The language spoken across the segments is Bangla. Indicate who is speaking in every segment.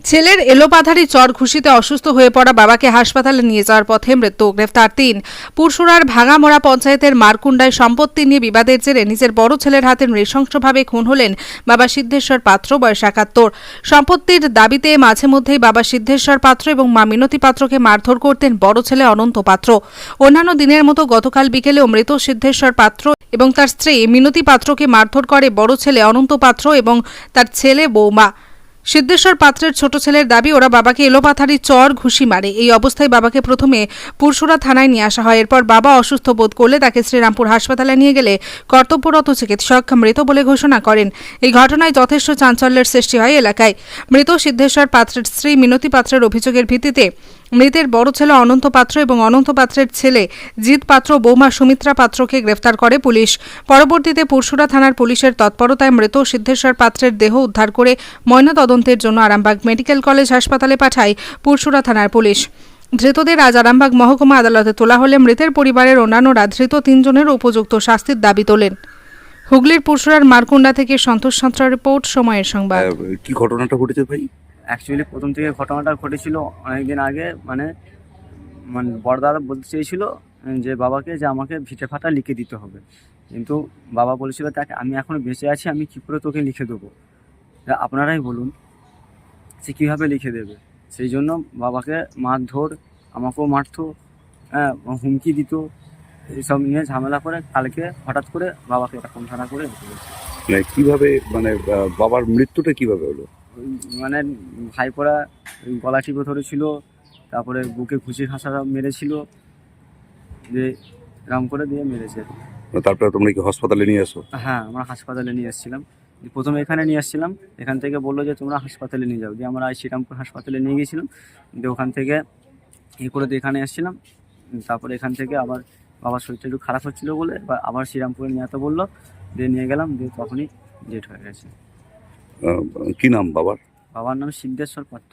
Speaker 1: ছেলের এলোপাথারি চর ঘুষিতে অসুস্থ হয়ে পড়া বাবাকে হাসপাতালে নিয়ে যাওয়ার পথে মৃত্যু। গ্রেফতার ৩। পুরসুরার ভাঙামোড়া পঞ্চায়েতের মারকুন্ডায় সম্পত্তি নিয়ে বিবাদের জেরে নিজের বড় ছেলের হাতে নৃশংসভাবে খুন হলেন বাবা সিদ্ধেশ্বর পাত্র, বয়স ৭১। সম্পত্তির দাবিতে মাঝে মধ্যেই বাবা সিদ্ধেশ্বর পাত্র এবং মা মিনতি পাত্রকে মারধর করতেন বড় ছেলে অনন্ত পাত্র। অন্যান্য দিনের মতো গতকাল বিকেলেও মৃত সিদ্ধেশ্বর পাত্র এবং তার স্ত্রী মিনতি পাত্রকে মারধর করে বড় ছেলে অনন্ত পাত্র এবং তার ছেলে বৌমা। সিদ্ধেশ্বর পাত্রের ছোট ছেলের দাবি, ওরা বাবাকে এলোপাথারি চর ঘুষি মারে। এই অবস্থায় বাবাকে প্রথমে পুরসুরা থানায় নিয়ে আসা হয়। এরপর বাবা অসুস্থ বোধ করলে তাকে শ্রীরামপুর হাসপাতালে নিয়ে গেলে কর্তব্যরত চিকিৎসক মৃত বলে ঘোষণা করেন। এই ঘটনায় যথেষ্ট চাঞ্চল্যের সৃষ্টি হয় এলাকায়। মৃত সিদ্ধেশ্বর পাত্রের স্ত্রী মিনতি পাত্রের অভিযোগের ভিত্তিতে মৃতের বড় ছেলে অনন্ত পাত্র এবং অনন্ত পাত্রের ছেলে জিৎ পাত্র, বৌমা সুমিত্রা পাত্রকে গ্রেফতার করে পুলিশ। পরবর্তীতে পুরসুরা থানার পুলিশের তৎপরতায় মৃত সিদ্ধেশ্বর পাত্রের দেহ উদ্ধার করে ময়নাতদন্তের জন্য আরামবাগ মেডিকেল কলেজ হাসপাতালে পাঠায় পুরসুরা থানার পুলিশ। ধৃতদের আজ আরামবাগ মহকুমা আদালতে তোলা হলে মৃতের পরিবারের অন্যান্যরা ধৃত ৩ জনের উপযুক্ত শাস্তির দাবি তোলেন। হুগলির পুরসুরার মারকুন্ডা থেকে সন্তোষ সাঁতরা রিপোর্ট, সময়ের সংবাদ।
Speaker 2: কি ঘটনাটা ঘটেছে ভাই?
Speaker 3: অ্যাকচুয়ালি প্রথম থেকে ঘটনাটা ঘটেছিল অনেকদিন আগে। মানে বড়দাদা বলতে চেয়েছিল যে বাবাকে যে আমাকে ভিটে ফাটা লিখে দিতে হবে, কিন্তু বাবা বলেছিল তাকে আমি এখনও বেঁচে আছি, আমি কী করে তোকে লিখে দেবো, আপনারাই বলুন সে কীভাবে লিখে দেবে। সেই জন্য বাবাকে মারধর, আমাকেও মারতো, হুমকি দিত, এইসব নিয়ে ঝামেলা করে কালকে হঠাৎ করে বাবাকে এরকম ধারা করে রেখে দিয়েছে।
Speaker 2: কিভাবে বাবার মৃত্যুটা কিভাবে হলো?
Speaker 3: মানে ভাইপোরা গলা টিপে ধরেছিল, তারপরে বুকে ঘুষি ঘাসা মেরেছিল, যে এরকম করে দিয়ে মেরেছে।
Speaker 2: তারপরে তোমরা কি হাসপাতালে নিয়ে আসো?
Speaker 3: হ্যাঁ, আমরা হাসপাতালে নিয়ে এসেছিলাম। প্রথমে এখানে নিয়ে আসছিলাম, এখান থেকে বললো যে তোমরা হাসপাতালে নিয়ে যাও, দিয়ে আমরা শ্রীরামপুর হাসপাতালে নিয়ে গিয়েছিলাম। দিয়ে ওখান থেকে করে দিয়ে এখানে এসেছিলাম। তারপরে এখান থেকে আবার বাবার শরীরটা একটু খারাপ হচ্ছিলো বলে আবার শ্রীরামপুরে নিয়ে যেতে বললো, দিয়ে নিয়ে গেলাম। দিয়ে তখনই ডেট হয়ে গেছে।
Speaker 2: কি নাম বাবার?
Speaker 3: বাবার নাম সিদ্ধেশ্বর পাত্র।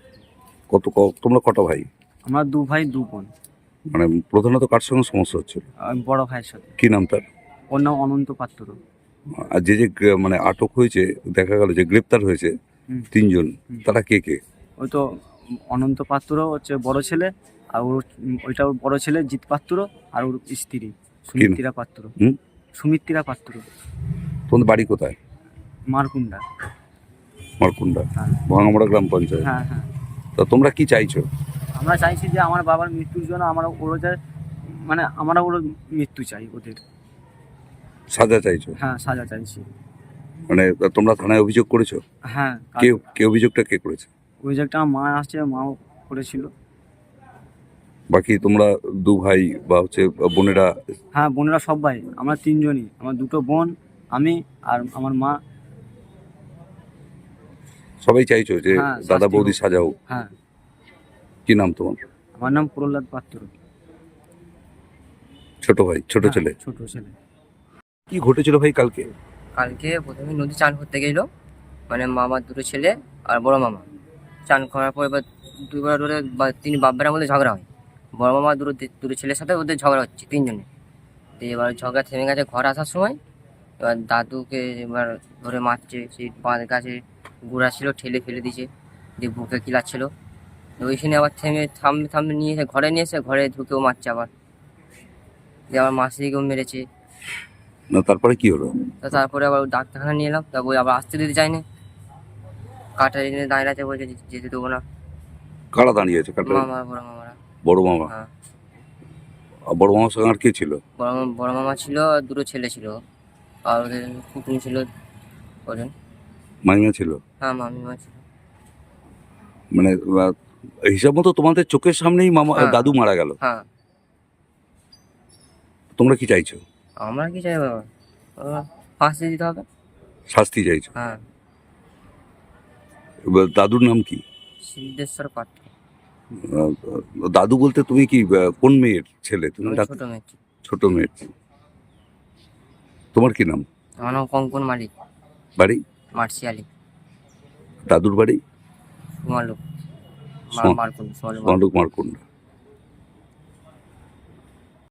Speaker 2: তোমরা কত ভাই?
Speaker 3: আমরা 2 ভাই 2 বোন।
Speaker 2: মানে প্রধানত কার সঙ্গে সমস্যা হচ্ছিল?
Speaker 3: বড় ভাইয়ের সাথে।
Speaker 2: কি নাম তার?
Speaker 3: ওর নাম অনন্ত পাত্র।
Speaker 2: আর যে আটক হয়েছে, দেখা গেল যে গ্রেপ্তার হয়েছে 3 জন, তারা কে কে?
Speaker 3: ওই তো অনন্ত পাত্র হচ্ছে বড় ছেলে, আর ওইটা ওর বড় ছেলে জিৎ পাত্র, আর ওর স্ত্রী সুমিত্রা পাত্র। সুমিত্রা পাত্র।
Speaker 2: তোমাদের বাড়ি কোথায়?
Speaker 3: মারকুন্ডা।
Speaker 2: মারকুন্ডা,
Speaker 3: হ্যাঁ।
Speaker 2: ভাঙামোড়া গ্রাম পঞ্চায়েত।
Speaker 3: হ্যাঁ হ্যাঁ।
Speaker 2: তা তোমরা কি চাইছো?
Speaker 3: আমরা চাইছি যে আমার বাবার মৃত্যুর জন্য আমরা ওর মৃত্যু চাই, ওদের
Speaker 2: সাজা চাইছো?
Speaker 3: হ্যাঁ, সাজা চাইছি।
Speaker 2: তোমরা থানায় অভিযোগ করেছো?
Speaker 3: হ্যাঁ।
Speaker 2: কে অভিযোগটা কে করেছে?
Speaker 3: অভিযোগটা আমার মা আসছে, মাও করেছিল।
Speaker 2: বাকি তোমরা 2 ভাই বা বোনেরা?
Speaker 3: হ্যাঁ, বোনেরা সবাই, আমরা 3 জনই, আমার 2টো বোন, আমি আর আমার মা।
Speaker 2: সবাই চাইছো যে দাদা বৌদি সাজা হোক?
Speaker 3: হ্যাঁ।
Speaker 2: কি নাম তোমার?
Speaker 3: আমার নাম প্রহ্লাদ পাত্র।
Speaker 2: ছোট ভাই, ছোট ছেলে?
Speaker 3: ছোট ছেলে।
Speaker 2: কি ঘটেছিল ভাই কালকে?
Speaker 4: কালকে প্রথমে নদী চান করতে গেল, মানে মামার 2টো ছেলে আর বড় মামা। চান করার পর এবার 2 বার ধরে 3 বাব্বারের মধ্যে ঝগড়া হয়। বড় মামা দুটো ছেলের সাথে ওদের ঝগড়া হচ্ছে 3 জনে। তো এবার ঝগড়া থেমে গেছে ঘর আসার সময়। এবার দাদুকে এবার ধরে মারছে, সেই বাঁধ গাছে গুড়া ছিল ঠেলে ফেলে দিয়েছে, দিয়ে বুকে কিলাচ্ছিল। ওইখানে আবার থামে নিয়ে এসে ঘরে নিয়ে এসে ঘরে ঢুকেও মারছে আবার, দিয়ে আবার মাসিকেও মেরেছে।
Speaker 2: না, তারপরে কি হলো?
Speaker 4: তারপরে আবার ডাক্তারখানা নিয়ে এলাম, তারপর আবার আসতে দিতে চাইনি, কাটা এনে দাঁড়িয়ে আছে, বলছে যেতে দেবো না।
Speaker 2: কারা দাঁড়িয়ে আছে?
Speaker 4: মামা, বড় মামারা।
Speaker 2: বড় মামা?
Speaker 4: হ্যাঁ।
Speaker 2: আর বড় মামার সঙ্গে আর কে ছিল?
Speaker 4: বড় মামা ছিল, আর 2টো ছেলে ছিল, আর ওদের কুকুর ছিল ওজন।
Speaker 2: মামিমা ছিল?
Speaker 4: হ্যাঁ, মামিমা ছিল।
Speaker 2: হিসাব মতো তোমাদের চোখের সামনেই মামা দাদু মারা গেল।
Speaker 4: হ্যাঁ।
Speaker 2: তোমরা কি চাইছো?
Speaker 4: আমরা কি চাই বাবা, ফাঁসি দিতে হবে।
Speaker 2: শাস্তি চাইছো?
Speaker 4: হ্যাঁ।
Speaker 2: দাদুর নাম কি?
Speaker 4: সিদ্ধেশ্বর পাত্র।
Speaker 2: দাদু বলতে তুমি কি কোন মেয়ের ছেলে? তুমি
Speaker 4: ছোট মেয়ে।
Speaker 2: ছোট মেয়ের। তোমার কি নাম?
Speaker 4: আমার নাম কঙ্কন মালিক।
Speaker 2: বাড়ি?
Speaker 4: মার্শিয়ালি।
Speaker 2: দাদুর বাড়ি?
Speaker 4: মালুক।
Speaker 2: মারকুন্ডা।